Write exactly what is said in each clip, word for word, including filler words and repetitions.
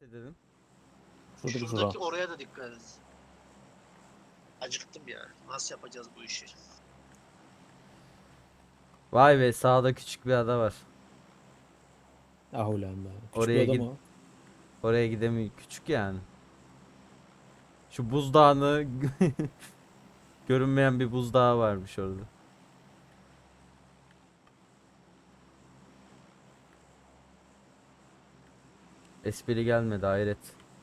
Dedim. Şuradaki zura. Şuradaki oraya da dikkat edin. Acıktım ya. Nasıl yapacağız bu işi? Vay be, sağda küçük bir ada var. Ah ulan be. Küçük Oraya bir git. adam o. Oraya gidemiyor. Küçük yani. Şu buzdağını görünmeyen bir buzdağı varmış orada. Espri gelmedi, hayret.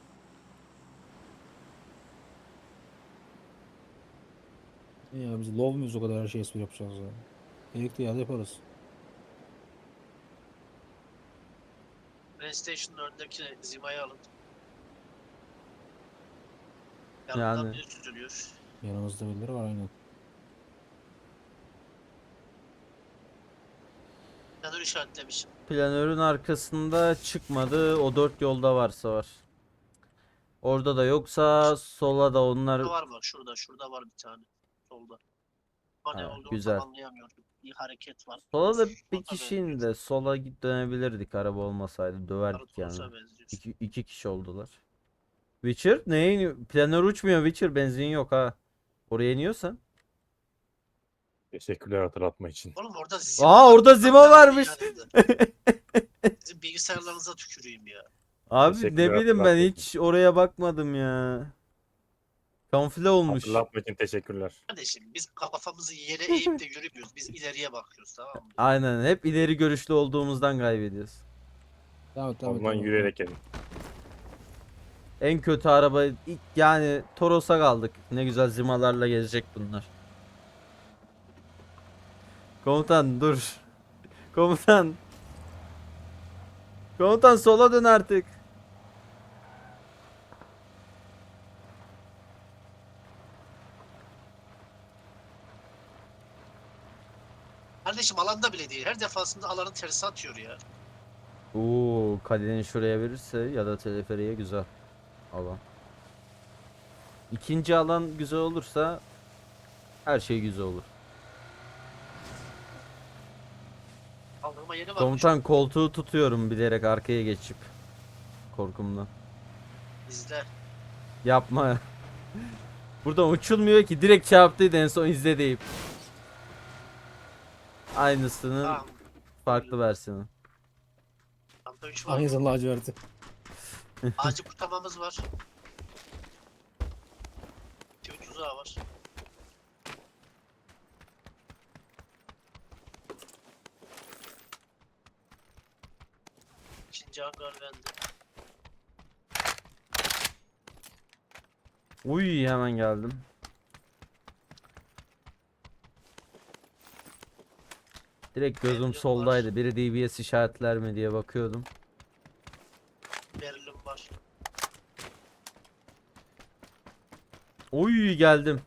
Ya biz love muyuz o kadar her şeyi espri yapacağız ya. Gerekli yerde yaparız. PlayStation'ın önündeki Zima'yı alın. Yanından Yani biri süzülüyor. Yanımızda birileri var aynen. Planör işaretlemişim. planörün arkasında çıkmadı. O dört yolda varsa var. Orada da yoksa sola da onlar. Şurada var bak şurada. Şurada var bir tane. Solda. Ama ne Ha, olduğunu güzel. tam anlayamıyorum. Bir hareket var. Sola da bir Toros'a kişinin benziyor. de sola git dönebilirdik araba olmasaydı. Sarı Döverdik yani. Toros'a benziyor. İki, iki kişi oldular. Witcher? Neyin? Planör uçmuyor Witcher. Benzin yok ha. Oraya iniyorsan. Teşekkürler hatırlatma için. Oğlum orada Zima Aa, var. orada Zima Hatta varmış. yanında. Sizin bilgisayarlarınıza tüküreyim ya. Abi ne Teşekkürler bileyim, ben hatırlatma için. hiç oraya bakmadım ya. Kamufle olmuş. Hatırlatma için teşekkürler. Kardeşim biz kafamızı yere eğip de yürümüyoruz. Biz ileriye bakıyoruz, tamam mı? Aynen, hep ileri görüşlü olduğumuzdan kaybediyoruz. Devam et O devam et. zaman devam et. yürüyerek gelin. En kötü araba ilk- yani Toros'a kaldık. Ne güzel zimalarla gezecek bunlar. Komutan dur. Komutan. Komutan sola dön artık. Kardeşim alanda bile değil. Her defasında alanın tersi atıyor ya. Oo, kaleni şuraya verirse ya da teleferiye güzel alan. İkinci alan güzel olursa her şey güzel olur. Kaldırma yeri var. Komutan, koltuğu tutuyorum bilerek arkaya geçip. Korkumdan. İzle. Yapma. Buradan uçulmuyor ki, direkt çarptıydı en son, izle deyip. Aynısının Tamam. farklı versiyonu. Tamda üç var. Aynı laciverti. Ağacı kurtarmamız var. Tüy tuzağı var. İkinci hangar bende. Uy, hemen geldim. Direkt gözüm Berlin var. soldaydı. Biri D B S işaretler mi diye bakıyordum. Berlin var. Uy, geldim.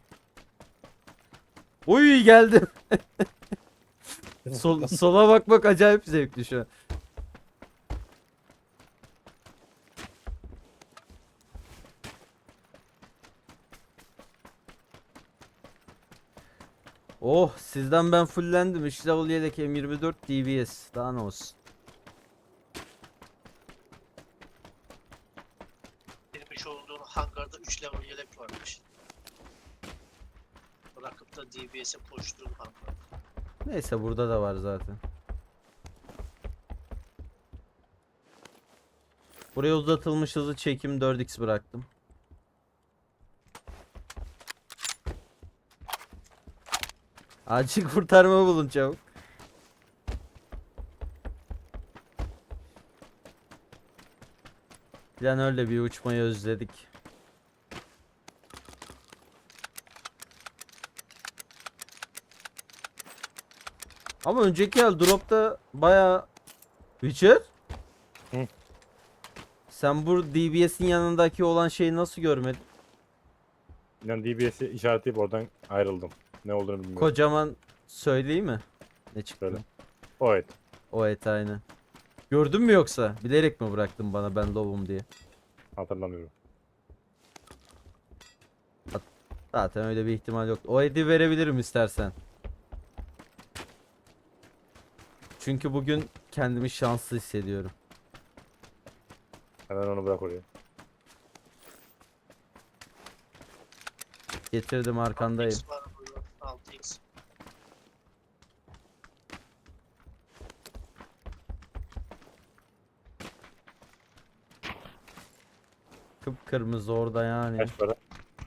Uy, geldim. Sol, sola bakmak acayip zevkli şu an. Oh, sizden ben fullendim. üç level yedek M yirmi dört D B S. Daha ne olsun. Girmiş olduğun hangarda üç level yelek varmış. Bırakıp da D B S'e koştuğum hangar. Neyse, burada da var zaten. Buraya uzatılmış hızlı çekim dört x bıraktım. Acil kurtarma bulun çabuk. Planörle bir uçmayı özledik. Ama önceki el dropta baya... Witcher? Hı. Sen bu D B S'in yanındaki olan şeyi nasıl görmedin? Ben D B S'i işaretleyip oradan ayrıldım. Ne olduğunu bilmiyorum. Kocaman söyleyeyim mi? Ne çıktı? Söyle. O evet. O et aynı. Gördün mü yoksa? Bilerek mi bıraktın bana ben lobum diye? Hatırlamıyorum. Zaten öyle bir ihtimal yok. O eti verebilirim istersen. Çünkü bugün kendimi şanslı hissediyorum. Hemen onu bırak oraya. Getirdim, arkandayım. altı x var burada. altı x. Kıpkırmızı orada yani. Kaç para?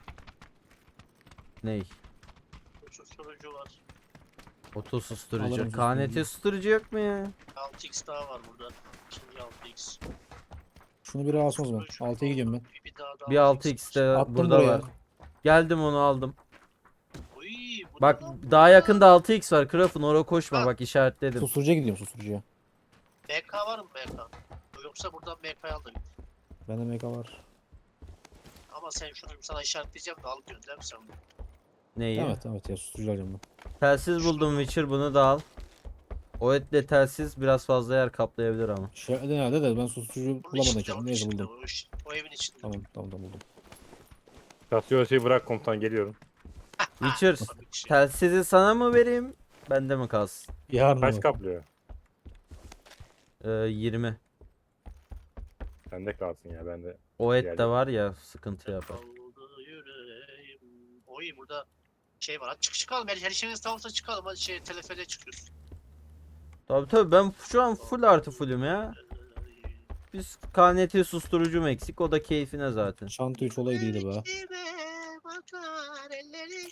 Ney? Susturucu var. Oto Alırım susturucu. susturucu. K N T susturucu yok mu ya? altı x daha var burada. İkinci altı x. Şunu biri alsın o zaman. Susturucu altıya gidiyorum ben. Bir, bir daha da Bir altı x de Attım burada buraya. var. Geldim, onu aldım. Oy, bu Bak ne lan? daha yakında altı x var. Krafın oraya koşma, Ha. bak işaretledim. Susturucuya gidiyorum susturucuya. M K var mı M K? Yoksa buradan M K'yı al da git. Bende meka var. Ama sen şunu sana işaretleyeceğim de al diyorsun değil mi sen? Neyi? Evet evet ya susturucu alacağım ben. Telsiz buldum Witcher, bunu da al. O etle telsiz biraz fazla yer kaplayabilir ama. Şey nerede de ben susturucu Bunun bulamadım içinde, ki. onun Neyse içinde, buldum. o, iş- o evin içinde. Tamam tamam tamam buldum. Kasıyor şeyi bırak komutan, geliyorum. Witcher, Tabii ki. telsizi sana mı vereyim? Bende mi kalsın? Yarın Kaç ama. kaplıyor? Ee, yirmi. Bende kalsın ya, bende. O et de Diğerleri. var ya, sıkıntı yapar. Kaldı yüreğim. Oy burada şey var. Hadi çık çıkalım. Her, her şeyiniz tamamsa çıkalım. Hadi şey teleferiye çıkıyoruz. Tabii tabii, ben şu an full artı fullüm ya. Biz K N T susturucum eksik, o da keyfine zaten. Çanta üç olayı değildi be. Ellerime bakar elleri.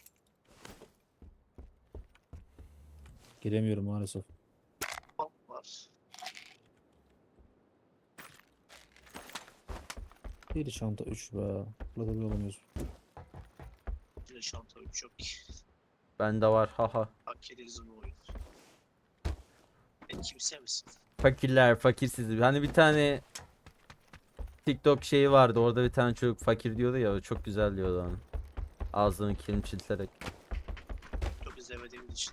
Giremiyorum maalesef. Bak var. Bir çanta üç be. Burada bir olamıyoruz. Bir şanta üç yok ki. Bende var, haha. Hak ederiz bu oyun. Ben kimse misin? Fakirler, fakirsiz. Hani bir tane TikTok şeyi vardı, orada bir tane çocuk fakir diyordu ya, o çok güzel diyordu onu. Ağzını kilimçilterek. Çok izlemediğimiz için.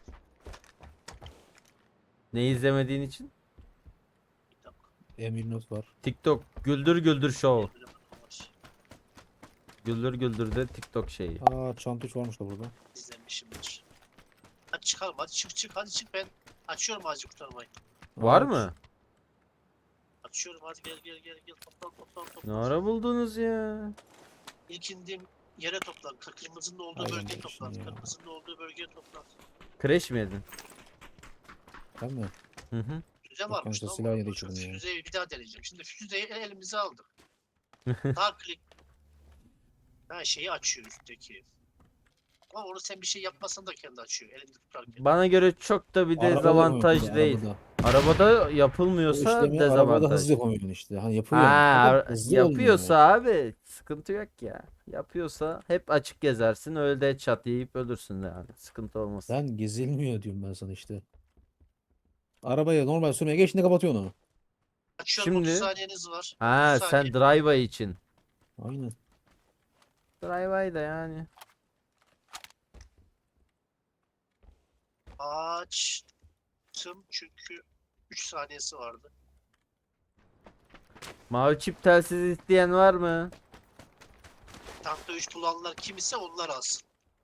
Ne izlemediğin için? Bir dakika. M yirmi dört var. TikTok güldür güldür show. Bir dakika var. Güldür güldür de TikTok şeyi. Aa çanta üç varmış da burada. İzlemişimdir. Hadi çıkalım. Hadi çık çık. Hadi çık ben. Açıyorum acil kurtarmayı. Var Evet. mı? Açıyorum hadi gel gel gel gel toplan toplan Ne toplan. ara buldunuz ya? İlk indiğim yere toplan. Kır- Kırmızının olduğu Aynen bölgeye bu toplan. işin ya. Kırmızının olduğu bölgeye toplan. Crash mi yedin? Ben mi? Hı hı. Füze Yok, varmış işte lan. silah burada. yedi Şu içinden ya. Füzeyi bir daha deneyeceğim. Şimdi füzeyi el- elimize aldık. Daha klik. Ha şeyi açıyor üstteki. Ama onu sen bir şey yapmasan da kendi açıyor. Elinde tutarken. Bana göre çok da bir Arabada dezavantaj yapamıyorsun, değil. arabada. Arabada O yapılmıyorsa işlemi arabada dezavantaj. hızlı yapamıyorsun işte. Hani yapıyor. Ha, ama ar- hızlı yapıyorsa olmuyor. abi sıkıntı yok ya. Yapıyorsa hep açık gezersin, öyle de çat yiyip ölürsün yani. Sıkıntı olmaz. Lan gezilmiyor diyorum ben sana işte. Arabaya normal sürmeye geçtiğinde kapatıyorsun onu. Açıyorum Şimdi- otuz saniyeniz var. Ha, otuz sen saniye. drive için. Aynen. Drive da yani. Açtım çünkü üç saniyesi vardı. Mavi çip telsiz isteyen var mı? Tankta üç bulanlar kim ise onlar alsın.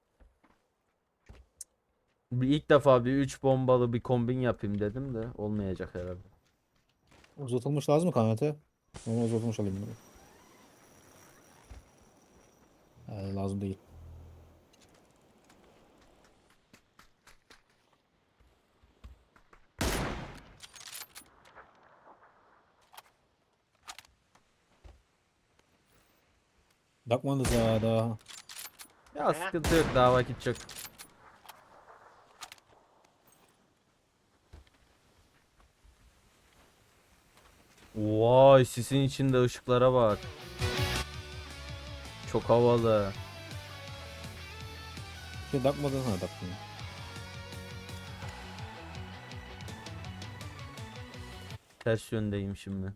Bir ilk defa bir üç bombalı bir kombin yapayım dedim de olmayacak herhalde. Uzatılmış lazım mı kanete? Normal uzatılmış alayım bunu. Ee, lazım değil. Bakmanız ya daha. Ya He? sıkıntı yok, daha vakit çok. Vay, sisin içinde ışıklara bak. Çok havalı. Şey takmadın ha taktın. Ters yöndeyim şimdi.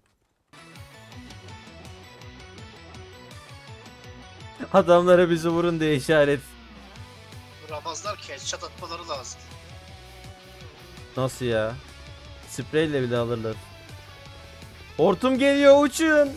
Adamlara bizi vurun diye işaret. Vuramazlar ki headshot atmaları lazım. Nasıl ya? Spreyle bile alırlar. Hortum geliyor, uçun.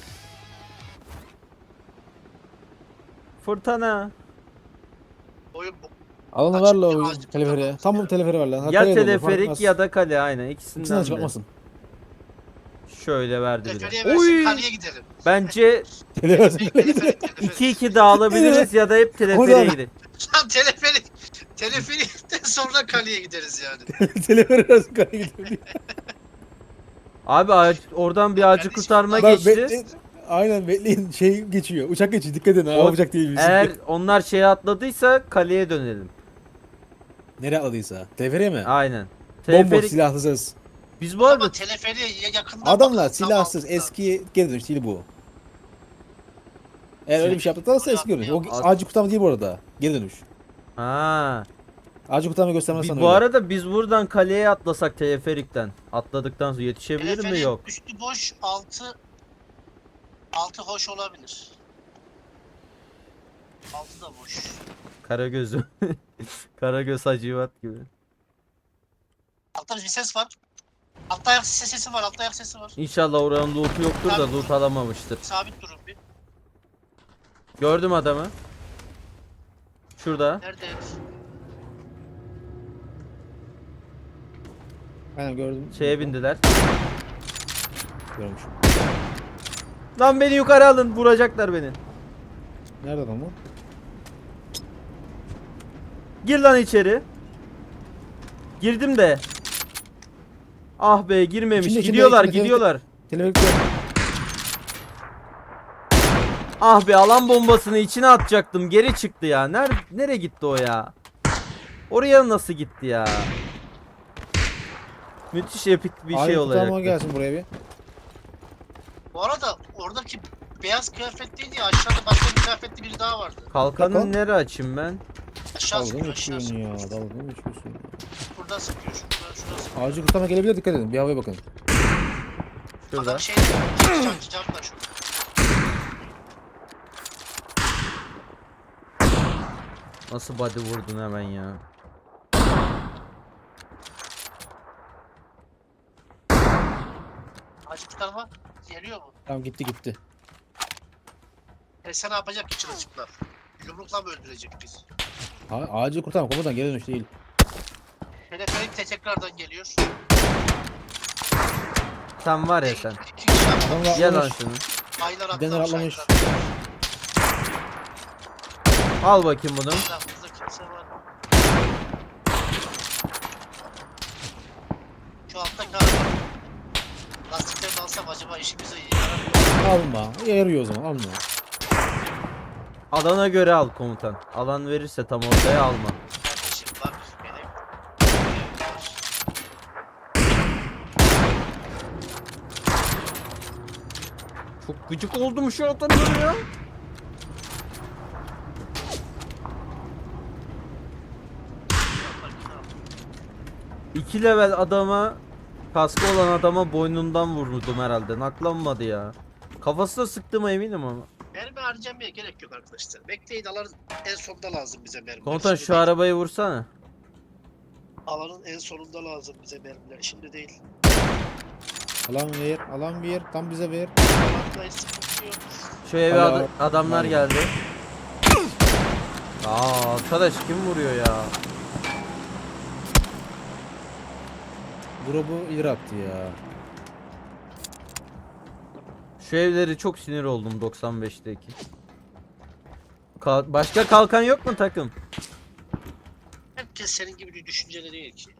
Fırtına. Oyun bu. Alanı Açık ver la bir o ağaç teleferiye. tutamamız Tam ya. bu teleferi ver lan. Ha, Ya kaleye de olur, fark teleferik etmez. ya da kale, aynen İkisinden ikisinden biri. çıkartmasın. Şöyle verdi bir Teleferiye de. versin Oy! kaleye gidelim. Bence Teleferik Teleferik, teleferik. iki iki dağılabiliriz ya da hep teleferiye Oradan- gidelim. Tam teleferik. Teleferikten sonra kaleye gideriz yani. Teleferik arası kaleye gidelim. Abi ağaç, oradan bir Ya ağacı kardeşim, kurtarma bak Bak geçti. bekleyin. Aynen bekleyin şey geçiyor. Uçak geçiyor. Dikkat edin. O- O, uçak değil. Bizim. Eğer onlar şeye atladıysa kaleye dönelim. Nereye atladıysa. Teleferiye mi? Aynen. Bomboş Teleferik. silahsız. Biz bu arada Ama teleferiye yakından Adamlar bakın, silahsız. tamam. Eski geri dönüş değil bu. Eğer öyle bir şey yaptılarsa eski dönüş. O At- ağacı kurtarma değil bu arada. Geri dönüş. ha. Ağacı kurtarma göstermez Bi- sana bu öyle. arada biz buradan kaleye atlasak teleferikten. Atladıktan sonra yetişebilir mi Teleferik yok. üstü boş, altı altı hoş olabilir. Altı da boş. Karagöz'ü. Karagöz Hacivat gibi. Altta bir ses var. Altta ayak sesi var, altta ayak sesi var. İnşallah oranın loot'u yoktur da loot alamamıştır. Sabit durun bir. Gördüm adamı. Şurada. Nerede herif? Aynen gördüm. Şeye bindiler. Görmüşüm. Lan beni yukarı alın. Vuracaklar beni. Nerede adam o? Gir lan içeri. Girdim de. Ah be girmemiş. İçinde, içinde, gidiyorlar içinde, gidiyorlar. Teleferikte. Ah be alan bombasını içine atacaktım. Geri çıktı ya. Nerede nereye gitti o ya? Oraya nasıl gitti ya? Müthiş epik bir şey kurtarma olacak. gelsin buraya bir. Bu arada oradaki beyaz kıyafetliydi ya, aşağıda başka bir kıyafetli biri daha vardı. Kalkanı Kalkan. nereye açayım ben? Aşağı Dalga sıkıyor, mı aşağı geçiyorsun sıkıyor. ya? Dalga mı geçiyorsun? Buradan sıkıyor, şuradan, şuradan sıkıyor. Ağacı kurtarma gelebilir, dikkat edin. Bir havaya bakın. Şurada. Adam şey, cam, cam, cam var şurada. Nasıl body vurdun hemen ya? Acı kurtarma geliyor mu? Tamam gitti gitti. E sen ne yapacak ki çırılçıklar? Yumrukla mı öldürecek biz? Ha, ağacı kurtarma komutan geri dönüş değil. Teleferik de tekrardan geliyor. Sen var ya sen. İki kişi Adam da Gel lan atlamış. şunu. aylar Gidenler atlamış, atlamış. aylar atlamış. Al bakayım bunu. Etrafımızda kimse var. Şu alttaki araba. Lastiklerini alsam acaba işimize yarar mı? Alma. Yarıyor o zaman alma. Alana göre al komutan. Alan verirse tam ortaya alma. Kardeşim bak benim. Çok gıcık oldum şu atanlara ya. İki level adama, kaskı olan adama boynundan vurdum herhalde. Naklanmadı ya. Kafasına sıktığıma eminim ama. Mermi harcamaya gerek yok arkadaşlar. Bekleyin, alanın en sonunda lazım bize mermiler. Komutan Şimdi şu değil. arabayı vursana. Alanın en sonunda lazım bize mermiler. Şimdi değil. Alan ver. Alan ver. Tam bize ver. Alandayız, sıkıntı yok. Şu eve Hala- ad- adamlar Hala. geldi. Aa arkadaş kim vuruyor ya? Drop'u ileri attı ya. Şu evleri çok sinir oldum doksan beşteki. Kal- başka kalkan yok mu takım? Herkes senin gibi bir düşüncede değil ki.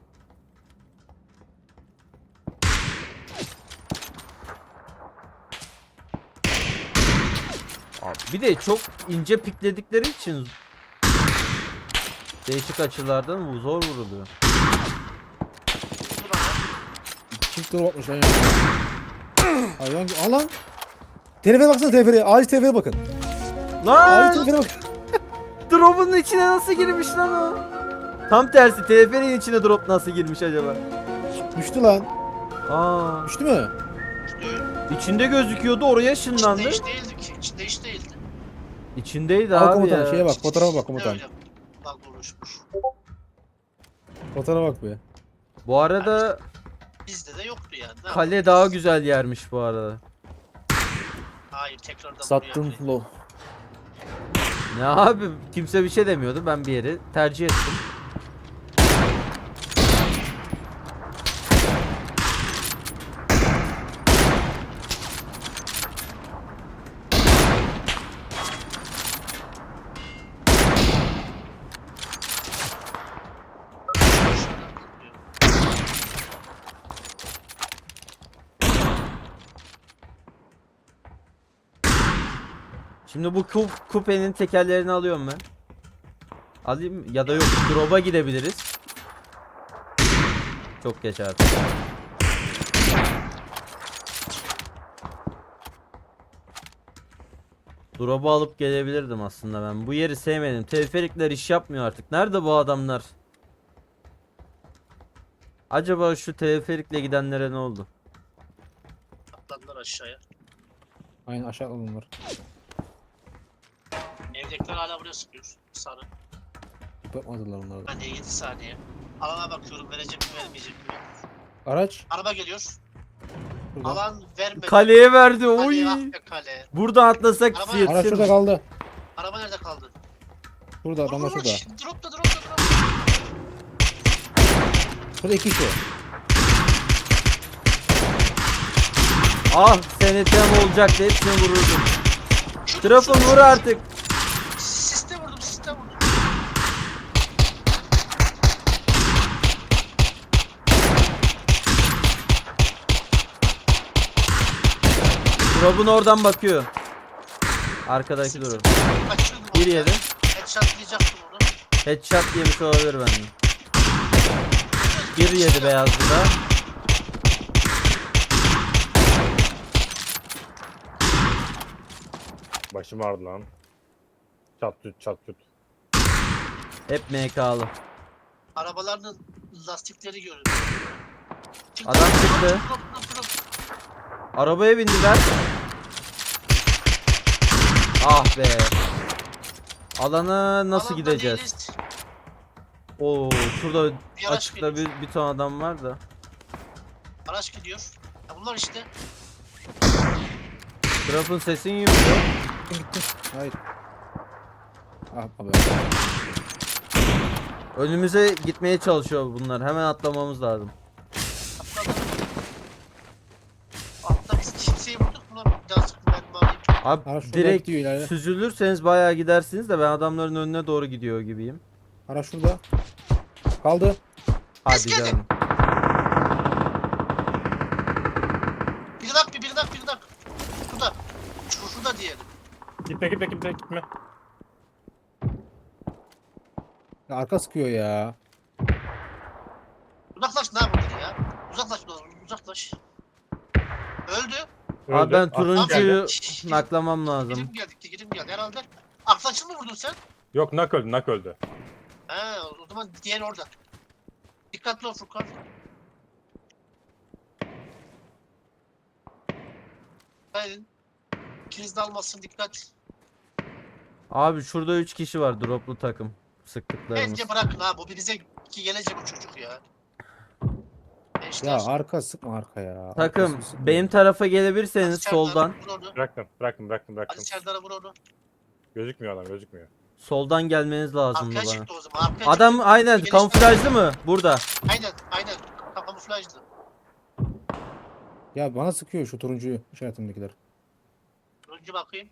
Abi bir de çok ince pikledikleri için değişik açılardan bu zor vuruluyor. Dur ama. Çift drop atmış hayvan. Hayvan gibi. Alan. Telefere baksana telefere. Ağacı telefere bakın. Ağacı Lan telefere bakın. drop'un içine nasıl girmiş lan o? Tam tersi teleferin içine drop nasıl girmiş acaba? Düştü lan. Aa, Düştü mü? İşte, içinde gözüküyordu oraya içinde ışınlandı. hiç değildi ki. İçinde hiç değildi. İçindeydi Al abi komutan ya. şeye bak. Fotoğrafa bak İçinde komutan. öyle bak oluşmuş. Fotoğrafa bak be. Bu arada Bizde de yoktu yani. Ne kale yapalım daha biz? güzel yermiş bu arada. Hayır, tekrardan Sattın buraya- low. Ne abi kimse bir şey demiyordu ben bir yeri tercih ettim. Şimdi bu kup, kupenin tekerlerini alıyorum ben. Alayım mı? Ya da yok, drop'a gidebiliriz. Çok geç artık. Drop'u alıp gelebilirdim aslında ben. Bu yeri sevmedim. Teleferikler iş yapmıyor artık. Nerede bu adamlar? Acaba şu teleferikle gidenlere ne oldu? Atladılar aşağıya. Aynen aşağı alınır. Evdekiler hala buraya sıkıyor. Sarı. Yapmadılar onları da. Ben de yedi saniye. Alana bakıyorum verecek mi vermeyecek mi? Araç. Araba geliyor. Burada. Alan vermedi. Kaleye verdi. Oy. Kale, ah be kale. Buradan atlasak Araba- Araç şurada yetişir. kaldı. Araba nerede kaldı? Şurada adamlar Vur, vur, şurada. vur. Dropta dropta dropta. Şurada iki kişi. Ah, senetem olacaktı. Hepsini vururdum. Şut, Trafon şut, vur şut. artık. Siste vurdum siste vurdum. Drop'un oradan bakıyor. Arkadaki drop. Kaçırdım Bir onu ya. yedi. Headshotlayacaktım onu. Headshot yemiş olabilir benden. Bir yedi beyazlı da. Başım ağrıdı lan. Çat tut çat tut. Hep M K'lı. Arabaların lastikleri göründü. Çıktı. Adam çıktı. Drop, drop, drop. Arabaya bindiler. Ah be. Alana nasıl Alanda gideceğiz? değiliz. Oo, şurada Bir araç açıkta geliyor. bir, bir ton adam var da. Araç gidiyor. Ya bunlar işte. Drop'un sesini yumuyor. Gitti. Hayır. Ah abi. Önümüze gitmeye çalışıyor bunlar. Hemen atlamamız lazım. Atladı. Altta biz kimseyi vurduk. Bunlar bir daha sıkı mermi alayım. Abi Araç şurada direkt gidiyor ileride. süzülürseniz bayağı gidersiniz de ben adamların önüne doğru gidiyor gibiyim. Araç şurada. Kaldı. Hadi Biz geldik. canım. Bir dak bir bir dak bir dak. Şurada. Şu- Şurada diyelim. Gitme gitme gitme gitme. Ya arka sıkıyor ya. Uzaklaş ne yapıyorsun ya? Uzaklaş ulan, uzaklaş. Öldü. Abi ben Öldü. Ah, turuncuyu geldi. naklamam lazım. Girim geldi, girim geldi herhalde. Aksaçlı mı vurdun sen? Yok nak öldü nak öldü. He, o zaman diğer orada. Dikkatli ol Furkan. Hayır. İkiniz de almasın dikkat. Abi şurada üç kişi var droplu takım. Sıktıklarımız. Bence bırakın ha bu bize ki gelecek o çocuk ya. Gençler. Ya arka sıkma arka ya. Takım Arkasını sıkma. benim tarafa gelebilirseniz Hadi Serdar'a soldan. Vur onu. Bıraktım bıraktım bıraktım Hadi bıraktım. Serdar'a vur onu. Gözükmüyor adam gözükmüyor. Soldan gelmeniz lazımdı Arkaya bana. çıktı o zaman. Arkaya Adam çıktı. aynen Gelişler- kamuflajlı mı? Burada. Aynen aynen. Kamuflajlı. Ya bana sıkıyor şu turuncuyu işaretimdekiler. Önce bakayım.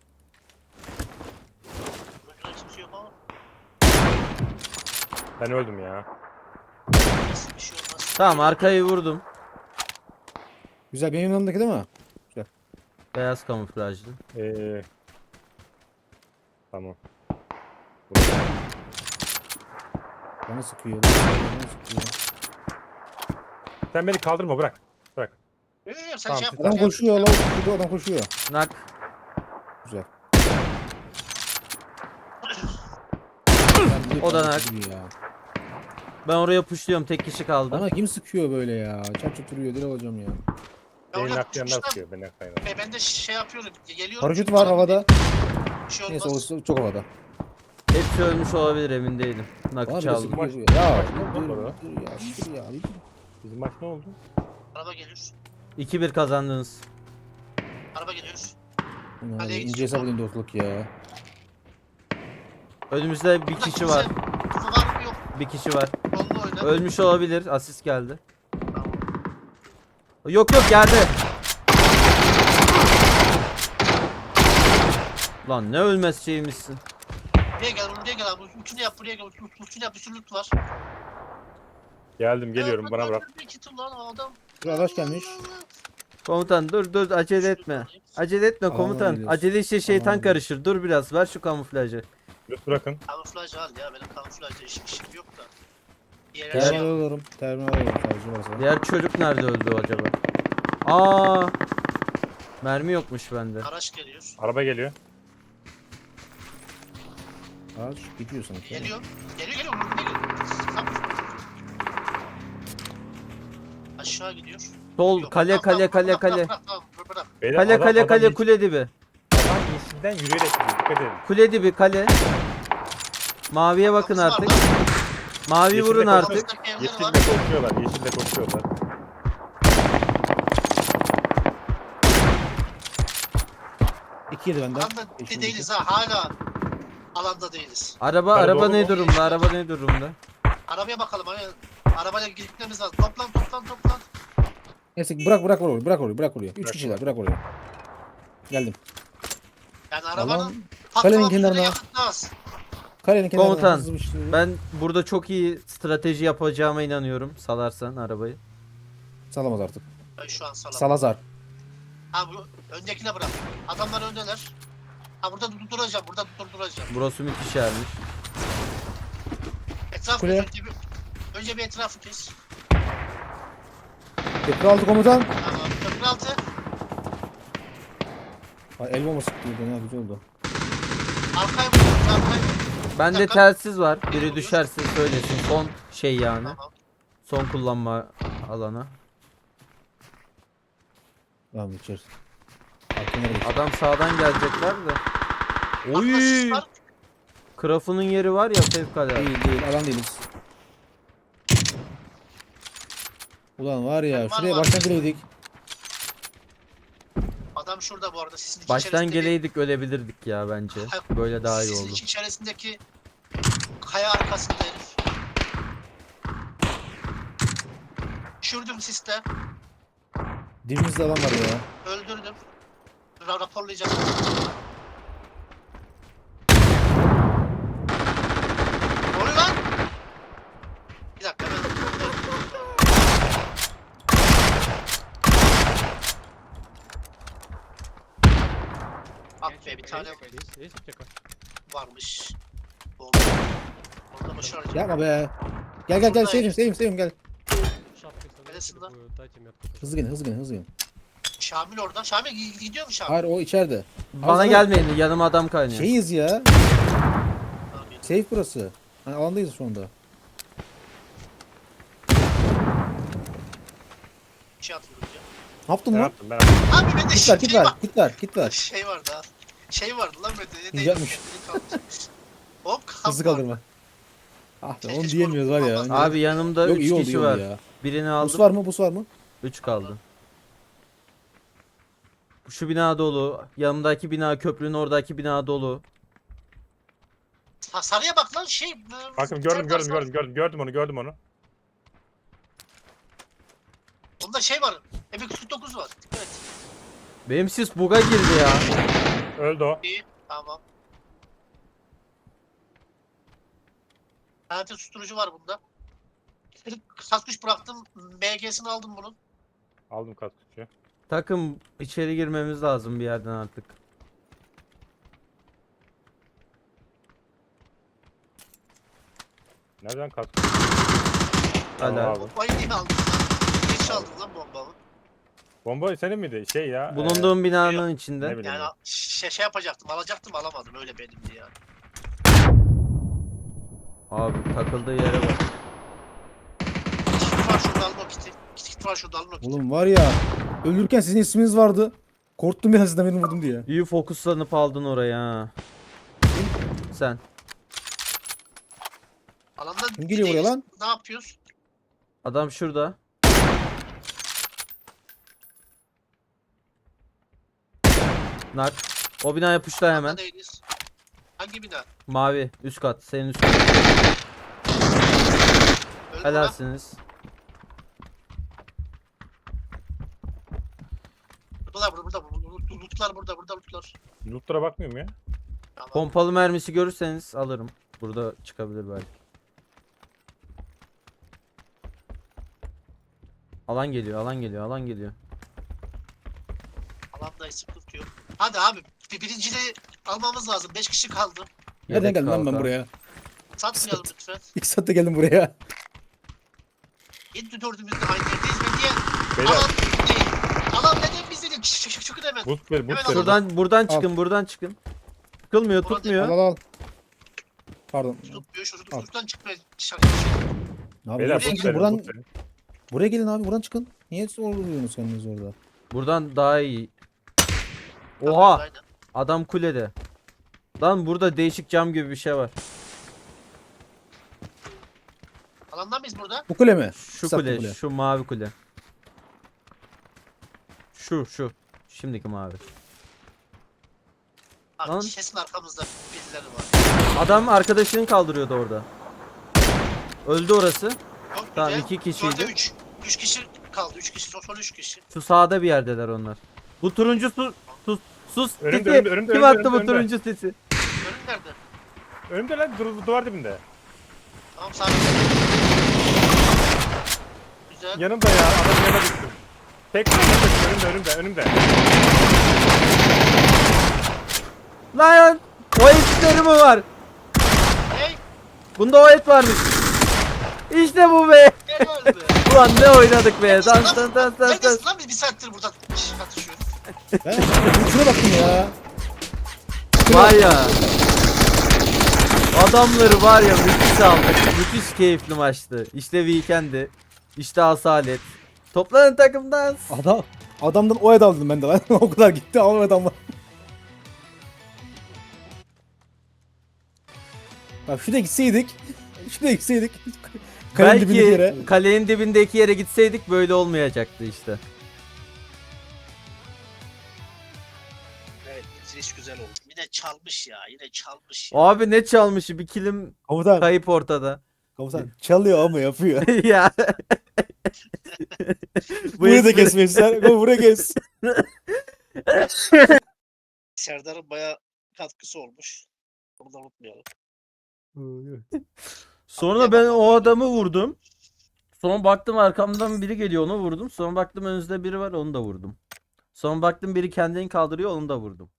Önce kimse yok ama. Ben öldüm ya. Nasıl bir şey olmaz. Tamam, arkayı vurdum. Güzel benim yanımdaki değil mi? Beyaz kamuflajlı. Ee, tamam. Bana sıkıyor. Bana sıkıyor. Sen beni kaldırma bırak. Bırak. Yok yok sen Tamam, şey yap. tamam. Adam şey yap. koşuyor lan. Şurada adam koşuyor. Nak. Güzel. O da nak. Ya. Ben oraya pushluyorum, tek kişi kaldı. Bana kim sıkıyor böyle ya? Çat çat duruyor deli olacağım ya. Ben Beni oraya naklayanlar tutmuştum. sıkıyor. Beni naklayanlar. E, ben de şey yapıyorum. Geliyorum. Paraşüt var havada. Bir şey Neyse olmaz. o çok havada. Hepsi ölmüş olabilir, emin değilim. Nakı Bana bile çaldım. sıkıyor. Maç- Ya maç ne dur, oldu dur, dur ya. Dur ya. bir dur. Bizim maç ne oldu? Araba geliyor. iki bir kazandınız. Araba geliyor. Ulan Kaleye İnce gidiyor. hesap edeyim dostluk ya. Önümüzde bir Burada kişi kimse- var. Kutu var mı yok. Bir kişi var. Kollu oyna. Ölmüş olabilir. Asist geldi. Tamam. Yok yok, geldi. Lan ne ölmez şeymişsin. Buraya gel buraya gel abi. Ultunu yap buraya gel. Ultunu yap bir sürü loot var. Geldim geliyorum Ya, bana bak, bırak. bak, bir kit ulan o adam. Bir araç gelmiş. Komutan dur dur acele etme. Acele etme Alana komutan. geliyoruz. Acele işte şeytan Alana karışır. Dur biraz ver şu kamuflajı. Lütfü bırakın. Kamuflaj al ya. Benim kamuflajda işim, işim yok da. Diğer her Gel. şey Terminal al. olurum. Terminal olurum. Savcı varsa. Diğer çocuk nerede öldü acaba? Aa! Mermi yokmuş bende. Araç geliyor. Araba geliyor. Ağaç gidiyor sanki. Geliyor. Geliyor geliyor. Vurdu geliyor. Tam. Aşağı gidiyor. Sol Yok, kale tamam, kale tamam, kale bırak, kale. Bırak, bırak, tamam, bırak, bırak. Beyler, Kale adam- kale adam kale yeşil- kule dibi. Adam yeşilden yürüyerek gidiyor. Dikkat edin. Kule dibi kale. Maviye bakın Arkamız var artık. lan. Mavi Yeşilde vurun koşuyor. artık. Arkamızdaki evler Yeşilde var. koşuyorlar. Yeşilde koşuyorlar. İki yedi benden. Alanda Yeşil değiliz ha. Hala alanda değiliz. Araba Kale araba dolu ne mu? durumda? Araba ne durumda? Arabaya bakalım. Hani arabayla gitmemiz lazım. Toplan toplan toplan. Neyse bırak bırak orayı bırak orayı bırak oraya. Üç Bırak kişiler bırak oraya. Geldim. Yani Alan arabanın kalenin patlamak kenarına. üzere yakıtı az. Kalenin kenarına Komutan, hızlı bir şey- Ben burada çok iyi strateji yapacağıma inanıyorum. Salarsan arabayı. Salamaz artık. Ben şu an salam. Salazar. Ha bu öndekine bırak. Adamlar öndeler. Ha burada durduracağım. Burada durduracağım. Burası müthiş yermiş. Etraf Kule. önce bir, önce bir etrafı kes. Köprü aldı komutan. Tamam. Köprü altı. Ay, el bombası sıktı bir de ya güzel oldu. Arkaya vur. Arkaya vur. Bende dakika. telsiz var. Biri Biri vuruyor. düşerse söylesin. Son şey yani. Tamam. Son kullanma alanı. Tamam geçeriz. Arkadan geç. Adam sağdan gelecekler de. Bak, Oy! asist var. Krafunun yeri var ya fevkalade. Değil değil alan değiliz. Ulan var ya Var, şuraya var. baştan gireydik. Adam şurada bu arada. Sisin Baştan içerisindeki- geleydik ölebilirdik ya bence. Böyle daha iyi Sisin oldu. içerisindeki kaya arkasında herif. Düşürdüm siste. Dibimizde alan var ya. Öldürdüm. Ra raporlayacağım. Ne oluyor lan? Bir dakika ben... Ah be bir tane varmış. Oldu. Orada başaracağım. Yapma be. Gel gel gel Şurada sevim sevim sevim gel. Neresin lan? Hızlı gelin hızlı gelin hızlı gelin. Şamil orada. Şamil gi- gidiyor mu Şamil? Hayır o içeride. Bana Ama- gelmeyin yanıma adam kaynıyor. Şeyiz ya. Tamam, gidiyor. Safe burası. Hani alandayız şu anda. Bir şey atıldı ya. Ne yaptın Ben lan? yaptım ben yaptım. Abi bende Git şey, ver git şey ver var. git ver git ver. Şey vardı ha. Şey vardı lan bende. Ne Güzelmiş. Hop Hızlı kalk. kaldırma. Ah be Keşke onu şu diyemiyoruz var ya. olmaz. Abi yanımda Yok üç iyi oldu iyi kişi oldu var. ya. Birini Bus aldım. var mı bus var mı? üç kaldı. Şu bina dolu. Yanımdaki bina köprünün oradaki bina dolu. Ha, sarıya bak lan şey. Bakın gördüm gördüm gördüm gördüm gördüm onu gördüm onu. Onda şey var. M iki kırk dokuz var. Dikkat et. Benim sis buga girdi ya. Öldü o. İyi. Tamam. Hayatı susturucu var bunda. Kasküş bıraktım. M G'sini aldım bunun. Aldım kaskıcı. Takım içeri girmemiz lazım bir yerden artık. Nereden kaskıcı? Hala. Abi. Bombayı niye aldın lan? Geç aldın lan bombamı. Bomba senin miydi? Şey ya. Bulunduğum binanın ne içinde. bileyim Yani ben. şey, şey yapacaktım. Alacaktım alamadım. Öyle benimdi yani. Abi takıldığı yere bak. Kit var şurada alın o kiti. Kit, kit var şurada alın o kiti. Oğlum var ya. Ölürken sizin isminiz vardı. Korktum ya sizden beni vurdum diye. İyi fokuslanıp aldın oraya ha. Sen. Alanda Kim geliyor buraya değiliz. lan? Ne yapıyoruz? Adam şurada. Nak. O bina yapıştı hemen. Alanda değiliz. Hangi bina? Mavi. Üst kat. Senin üst kat. Öldü mü lan? Helalsiniz. Buradalar burada. burada. Lootlar burada. Burada lootlar. Lootlara bakmıyorum ya. Tamam. Pompalı mermisi görürseniz alırım. Burada çıkabilir belki. Alan geliyor, alan geliyor, alan geliyor. Alandayız, sıkıntı yok. Hadi abi bir birinciliği almamız lazım. Beş kişi kaldı. Nereden Yedek geldim lan ben kalkan. buraya? Satmayalım lütfen. İki saatte geldim buraya. Yedi dördümüz de aynı yerdeyiz ve niye? Beyler Alan değil. Alan neden biz dedik? Şık şık şık hemen. boost ver boost Hemen ver. Şuradan buradan Al. çıkın buradan çıkın. Çıkılmıyor Buradan Al tutmuyor. al al. Pardon. Tutmuyor, şu Al. şuradan çıkmaya çalışıyor. Abi Beyler Buraya boost gel, verin buradan, boost verin. buraya gelin abi buradan çıkın. Niye zorluyorsunuz kendiniz orada? Buradan daha iyi. Oha Aynen. adam kulede. Lan burada değişik cam gibi bir şey var. Alandan mıyız burada? Bu kule mi? Şu Saklı kule, kule. şu mavi kule. Şu şu. Şimdiki mavi. Abi Lan. kesin arkamızda birileri var. Adam arkadaşını kaldırıyordu orada. Öldü orası. Çok Tamam, güzel. iki kişiydi. Dörde üç. Üç kişi kaldı. Üç kişi. Son, son üç kişi. Şu sağda bir yerdeler onlar. Bu turuncu su sus sus Önümde, sesi. önümde, önümde, Kim önümde, attı bu önümde. turuncu sesi? Önüm nerede? Önümde lan dur, duvar dibinde. Tamam sabit. Güzel. Yanımda ya adam yana düştüm. Tek önümde önümde önümde. Lan o etleri mi var? Hey! Bunda o et varmış. İşte bu be. Gel öldü. Ulan ne oynadık be. Dans dans dans dans dans. Neredesin lan biz bir saattir burada atışıyoruz. Ben şuna bakın ya. Var ya. Adamları var ya müthiş aldık. Müthiş keyifli maçtı. İşte weekend'i. İşte asalet. Toplanın takımdan. Adam, adamdan o ed aldım ben de lan. O kadar gitti ama adamlar. Bak şuraya gitseydik. Şuraya gitseydik. Kalenin dibindeki yere. Belki kalenin dibindeki yere gitseydik böyle olmayacaktı işte. Evet bitiriş güzel oldu. Yine çalmış ya. Yine çalmış ya. Abi ne çalmışı bir kilim Komutan, kayıp ortada. komutan çalıyor ama yapıyor. Ya. Bu Burayı da espri- kesmemişler. Buraya kes. Serdar'ın baya katkısı olmuş. Bunu da unutmayalım. Sonra ben o adamı vurdum. Sonra baktım arkamdan biri geliyor onu vurdum. Sonra baktım önünüzde biri var onu da vurdum. Sonra baktım biri kendini kaldırıyor onu da vurdum.